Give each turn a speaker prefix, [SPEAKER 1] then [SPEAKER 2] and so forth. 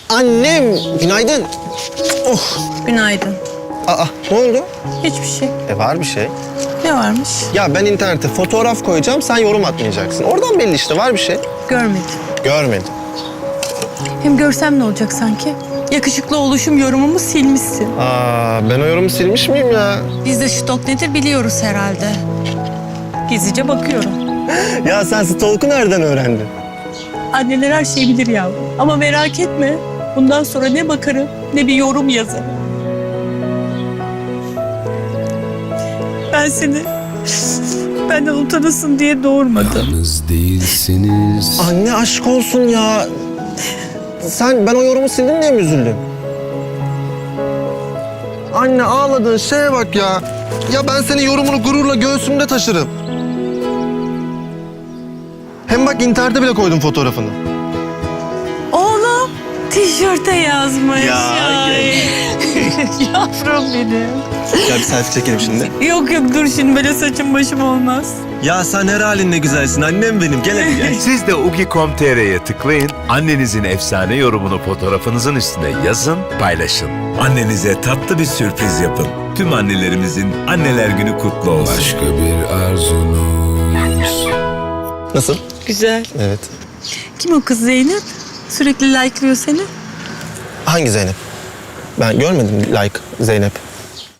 [SPEAKER 1] Annem, günaydın. Oh.
[SPEAKER 2] Günaydın.
[SPEAKER 1] Aa, ne oldu?
[SPEAKER 2] Hiçbir şey.
[SPEAKER 1] Var bir şey.
[SPEAKER 2] Ne varmış?
[SPEAKER 1] Ya ben internete fotoğraf koyacağım, sen yorum atmayacaksın. Oradan belli işte, var bir şey.
[SPEAKER 2] Görmedim.
[SPEAKER 1] Görmedim.
[SPEAKER 2] Hem görsem ne olacak sanki? Yakışıklı oluşum yorumumu silmişsin.
[SPEAKER 1] Ben o yorumu silmiş miyim ya?
[SPEAKER 2] Biz de stalk nedir biliyoruz herhalde. Gizlice bakıyorum.
[SPEAKER 1] Ya sen stalk'u nereden öğrendin?
[SPEAKER 2] Anneler her şeyi bilir ya. Ama merak etme. Bundan sonra ne bakarım ne bir yorum yazarım. Ben seni benden utanasın diye doğurmadım.
[SPEAKER 3] Yalnız değilsiniz.
[SPEAKER 1] Anne aşk olsun ya. Ben o yorumu sildin diye mi üzüldün? Anne ağladığın şeye bak ya. Ya ben senin yorumunu gururla göğsümde taşırım. Hem bak internete bile koydum fotoğrafını.
[SPEAKER 2] Oğlum tişörte yazmış.
[SPEAKER 1] Ya,
[SPEAKER 2] Ay. Yavrum benim.
[SPEAKER 1] Gel bir selfie çekelim şimdi.
[SPEAKER 2] Yok dur şimdi böyle saçım başım olmaz.
[SPEAKER 1] Ya sen her halinle güzelsin annem benim. Gel hadi gel.
[SPEAKER 4] Siz de ugi.com.tr'ye tıklayın, annenizin efsane yorumunu fotoğrafınızın üstüne yazın, paylaşın.
[SPEAKER 5] Annenize tatlı bir sürpriz yapın. Tüm annelerimizin Anneler Günü kutlu olsun.
[SPEAKER 3] Başka bir arzunuz.
[SPEAKER 1] Nasıl?
[SPEAKER 2] Güzel.
[SPEAKER 1] Evet.
[SPEAKER 2] Kim o kız Zeynep? Sürekli like'lıyor seni.
[SPEAKER 1] Hangi Zeynep? Ben görmedim like Zeynep.